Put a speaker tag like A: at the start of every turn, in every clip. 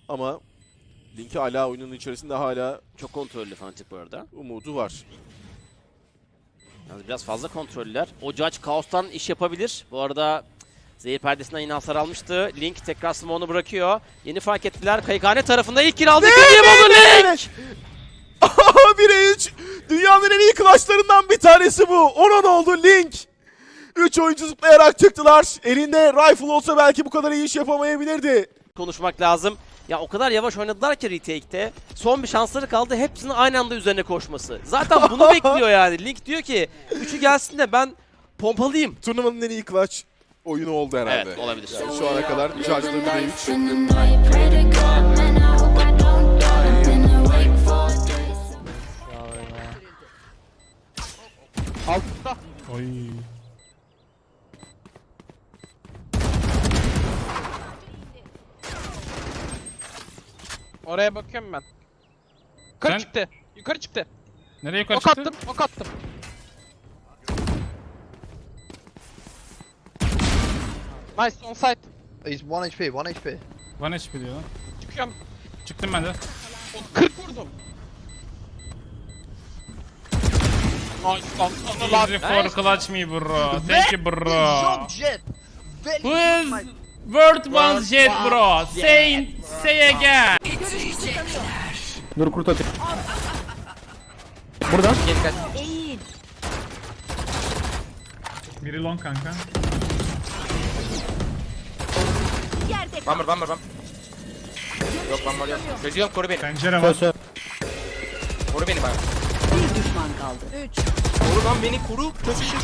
A: Ama Link'i hala oyunun içerisinde hala
B: Çok kontrollü Fnatic bu arada.
A: umudu var.
B: Yalnız biraz fazla kontroller. O Judge Kaos'tan iş yapabilir. Bu arada zehir perdesinden yine hasar almıştı. Link tekrar smoke'unu bırakıyor. Yeni fark ettiler. Kayıkhane tarafında ilk kill aldı. İkinciyi buldu Link!
A: 1'e 3. Dünyanın en iyi clutchlarından bir tanesi bu. 10-10 oldu Link. 3 oyuncu zıplayarak çıktılar. Elinde rifle olsa belki bu kadar iyi iş yapamayabilirdi.
B: Konuşmak lazım. Ya o kadar yavaş oynadılar ki retake'te. Son bir şansları kaldı. Hepsinin aynı anda üzerine koşması. Zaten bunu bekliyor yani. Link diyor ki 3'ü gelsin de ben pompalayayım.
A: Turnuvanın en iyi clutch oyunu oldu herhalde.
B: Evet, olabilir.
A: Yani şu ana kadar charge'da 1'e 3.
C: Altta.
D: Oy.
C: Oraya bakıyorum ben. Yukarı
D: Sen-
C: çıktı. Yukarı çıktı.
D: Nereye yukarı
C: Ok
D: çıktı?
C: attım. Ok attım. Nice on site.
E: He's 1 HP, 1 HP.
D: Bana HP diyor lan.
C: Çıkıyorum.
D: Çıktım ben de.
C: 40 vurdum. Nice lan. Anılar.
D: Easy for clutch me bro. Thank you bro.
E: Jump jet.
D: Who is World One Jet bro? Say again.
F: Dur kurt atayım. Burada.
D: Biri long kanka.
G: Bummer. Yok bummer yok. Çözüyorum, koru beni.
D: Pencere var.
F: Söz.
G: Koru beni bana.
H: Bir düşman kaldı. 3.
G: Koru lan beni, koru. Çözüşür.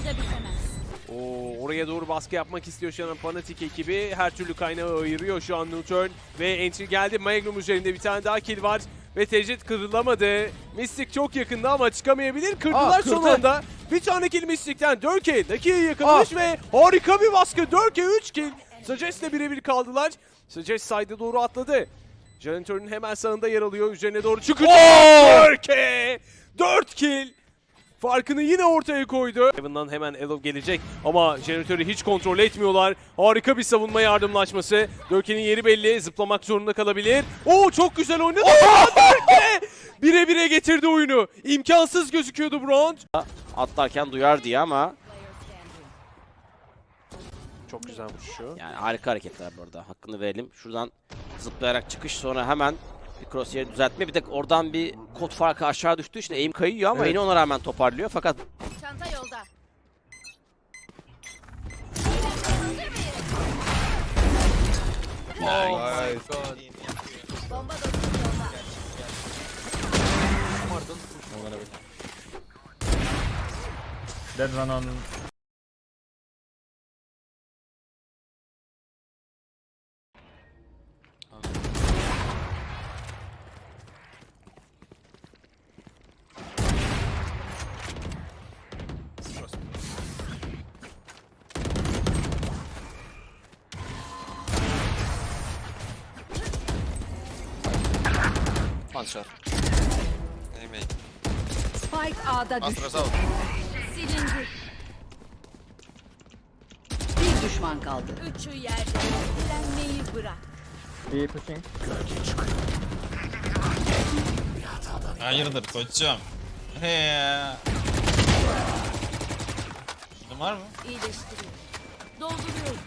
I: Oraya doğru baskı yapmak istiyor şu an Fnatic ekibi. Her türlü kaynağı ayırıyor şu an Nocturne. Ve entry geldi. Magnum üzerinde bir tane daha kill var. Ve Tecrit kırılamadı. Mystic çok yakında ama çıkamayabilir. Kırdılar son anda. Bir tane kill Mystic'ten. Dörke Naki'ye yakınmış ve harika bir baskı. Dörke 3 kill. Sajes'le birebir kaldılar. Sajes side'e doğru atladı. Janitor'un hemen sağında yer alıyor. Üzerine doğru çıkacak. Dörke! 4 kill. Farkını yine ortaya koydu. Heaven'dan hemen Elo gelecek ama jeneratörü hiç kontrol etmiyorlar. Harika bir savunma yardımlaşması. Dörke'nin yeri belli. Zıplamak zorunda kalabilir. Oo çok güzel oynadı. Dörke! 1'e 1'e getirdi oyunu. İmkansız gözüküyordu bu round.
B: Atlarken duyar diye ama
I: Çok güzel vuruşu.
B: yani harika hareketler bu arada. Hakkını verelim. Şuradan zıplayarak çıkış, sonra hemen bir crosshair düzeltme. Bir de oradan bir kod farkı aşağı düştüğü için aim kayıyor ama yine ona rağmen toparlıyor. Fakat
H: Çanta yolda. Bomba dostum yolda.
F: Dead run on.
G: One shot. Amen.
H: Spike A'da düştü.
G: Astra sağ.
H: Silindi. Bir düşman kaldı. Üçü yerde. Direnmeyi bırak.
F: İyi pushing.
J: Hayırdır koçum? He ya. Şunun var mı?
H: İyileştiriyor. Dolduruyorum.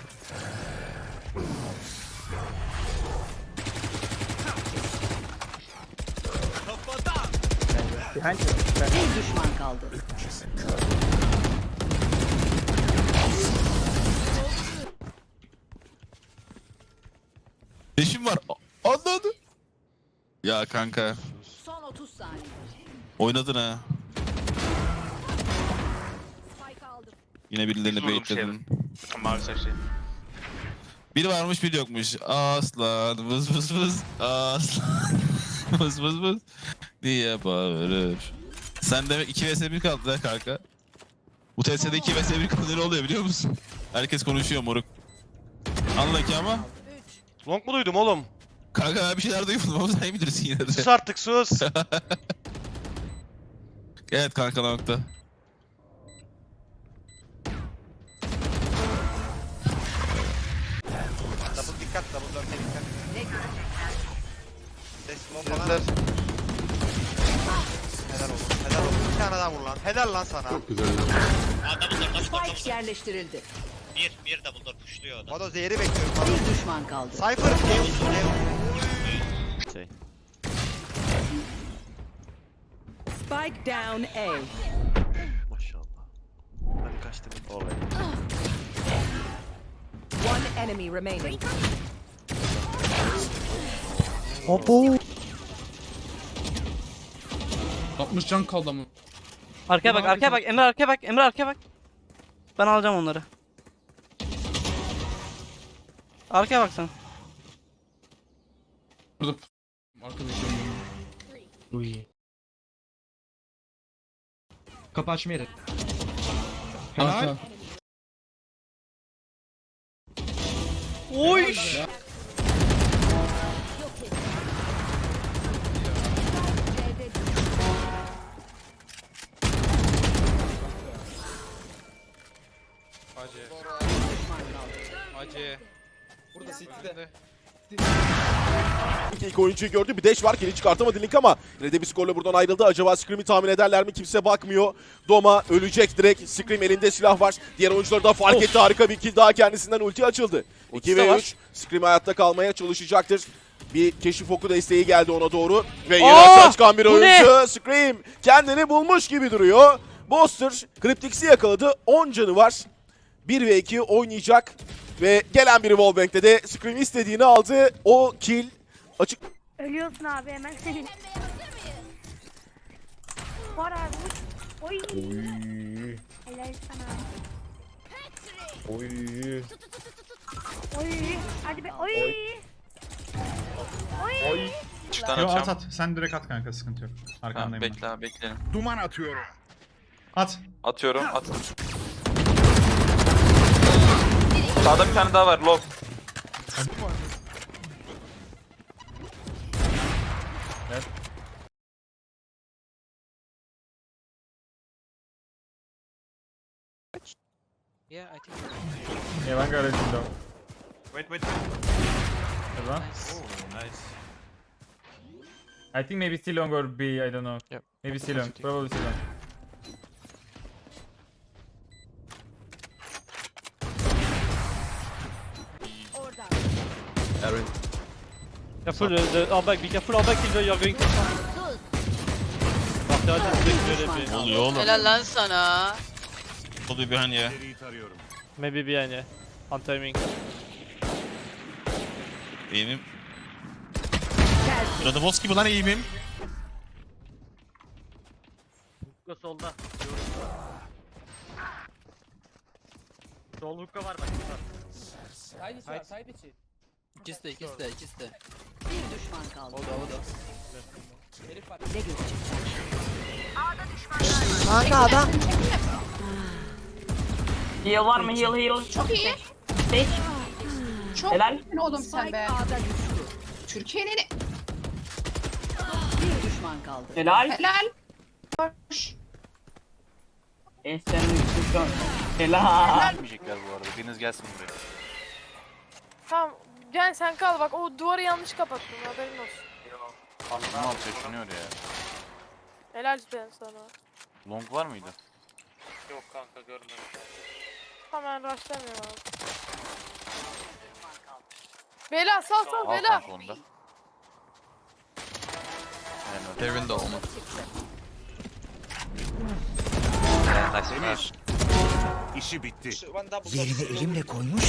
F: Behind.
H: Bir düşman kaldı.
J: Eşim var. Anladı. Ya kanka.
H: Son 30 saniye.
J: Oynadın ha.
H: Spike aldım.
J: Yine birilerini baitledin. Biri varmış biri yokmuş. Aslan vız vız vız. Aslan vız vız vız diye bağırır. Sen demek 2 vs 1 kaldı ha kanka. Bu TS'de 2 vs 1 kaldı, ne oluyor biliyor musun? Herkes konuşuyor moruk. Anla ki ama.
G: Long mu duydum oğlum?
J: Kanka ben bir şeyler duymadım ama sen iyi bilirsin yine de.
G: Sus artık sus.
J: Evet kanka nokta.
G: Double dikkat, double dikkat.
E: Helal olsun. Helal olsun. Bir tane daha vur lan. Helal lan sana.
H: Spike yerleştirildi.
G: Bir double door pushluyor o da.
E: Vado zehri bekliyorum. Vado.
H: Bir düşman kaldı.
E: Cypher. Deus.
H: Spike down A.
A: Maşallah. Hadi kaçtım.
H: One enemy remaining.
D: 60 can kaldı ama.
K: Arkaya bak, arkaya bak. Emre arkaya bak. Emre arkaya bak. Ben alacağım onları. Arkaya bak sen.
D: Burada arkadaşım.
F: Kapı açma yeri.
D: Helal.
K: Oy!
G: Acı.
A: İlk oyuncuyu gördü. Bir dash var. Geri çıkartamadı Link ama yine de bir skorla buradan ayrıldı. Acaba Scream'i tahmin ederler mi? Kimse bakmıyor. Doma ölecek direkt. Scream elinde silah var. Diğer oyuncular da fark etti. Harika bir kill daha kendisinden ulti açıldı. 2 ve 3. Scream hayatta kalmaya çalışacaktır. Bir keşif oku desteği geldi ona doğru. Ve yeni açığa çıkan bir
K: bu
A: oyuncu. Scream kendini bulmuş gibi duruyor. Boster Cryptix'i yakaladı. 10 canı var. 1 ve 2 oynayacak. Ve gelen bir wallbang'de de Scream istediğini aldı. O kill açık.
L: Ölüyorsun abi hemen senin. Var abi. Oy. Helal sana.
F: Oy.
L: Oy. Hadi be. Oy. Oy.
G: Çıktan
F: Yo,
G: atacağım.
F: at. Sen direkt at kanka, sıkıntı yok. Arkandayım ben.
G: Bekle abi bekleyelim.
F: At.
G: Atıyorum at. Sağda bir tane daha var low.
F: Yeah, one guy is window.
G: Wait.
F: Hello. I think maybe C long or B, I don't know.
C: Yep.
F: Maybe C long, probably C long.
K: Careful, our back, be careful our back if you're going to
J: Ne oluyor oğlum?
H: Helal lan sana.
J: Oluyor bir hani ya.
K: Maybe behind, yeah. On timing.
J: Eğimim. Radabos gibi lan eğimim.
K: Hukka solda. Sol hukka var bak.
H: İkisi de. Bir düşman kaldı. O da. Ne görecekler?
E: Kanka adam.
K: Heal var mı? Heal.
L: Çok iyi.
K: Helal.
L: Oğlum sen
H: Spike
L: be.
H: A'da düştü.
L: Türkiye'nin
H: Bir düşman kaldı.
K: Helal.
L: helal.
K: Sen helal.
G: Gelmeyecekler bu arada. Biriniz gelsin buraya.
L: Tamam. Gel sen kal bak o duvarı yanlış kapattın haberin olsun.
G: Aklım altı yaşanıyor ya.
L: Helal ben sana.
G: Long var mıydı?
C: Yok kanka görmedim.
L: Hemen rushlamıyorum abi. Bela sal
G: Al
L: Bela.
G: kanka onu da. They're in the home. Nice.
C: İşi bitti.
E: Yerine elimle koymuş.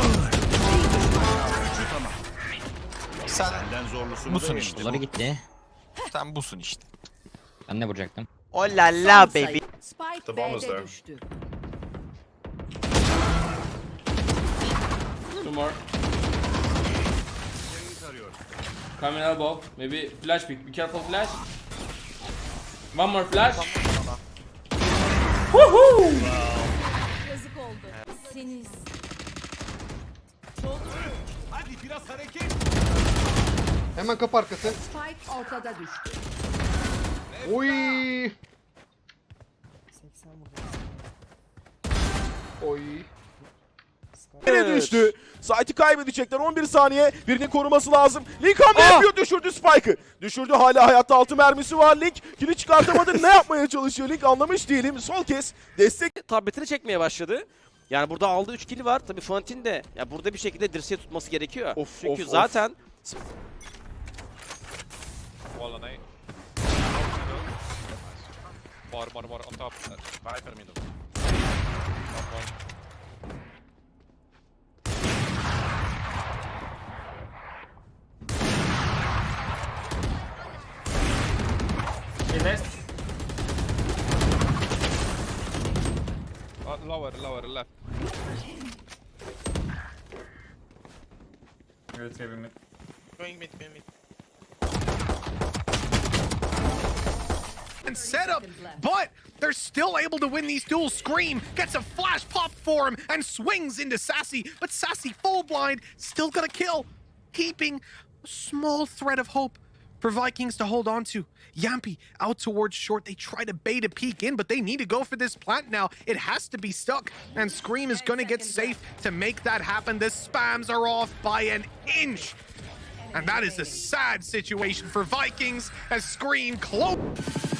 G: Sen busun işte.
K: Bunları gitti.
G: Sen busun işte.
K: Ben ne vuracaktım?
H: Oh la la baby. Spike B'de düştü.
D: Two more. Coming elbow. Maybe flash pick. Be careful flash. One more flash.
H: Yazık oldu. Seniz.
C: Hadi biraz hareket.
E: Hemen kapı arkası.
H: Spike ortada düştü.
E: Oy. Oy.
A: Yine düştü. Sight'ı kaybedecekler. 11 saniye. Birinin koruması lazım. Link hamle yapıyor. Düşürdü Spike'ı. Düşürdü. Hala hayatta 6 mermisi var. Link kili çıkartamadı. Ne yapmaya çalışıyor Link anlamış değilim. Sol kez destek.
B: Tabletini çekmeye başladı. Yani burada aldığı 3 kill var. Tabii Fnatic'in de ya burada bir şekilde dirseği tutması gerekiyor. Çünkü zaten
G: More on top. Viper middle.
F: Okay, next.
G: Lower left.
F: Let's give him it.
G: Going mid.
E: And setup, but they're still able to win these duels. Scream gets a flash pop for him and swings into Sassy, but Sassy full blind, still gonna kill, keeping a small thread of hope for Vikings to hold on to. Yampi out towards short. They try to bait a peek in, but they need to go for this plant now. It has to be stuck, and Scream is gonna get safe to make that happen. The spams are off by an inch. And that is a sad situation for Vikings as Scream close.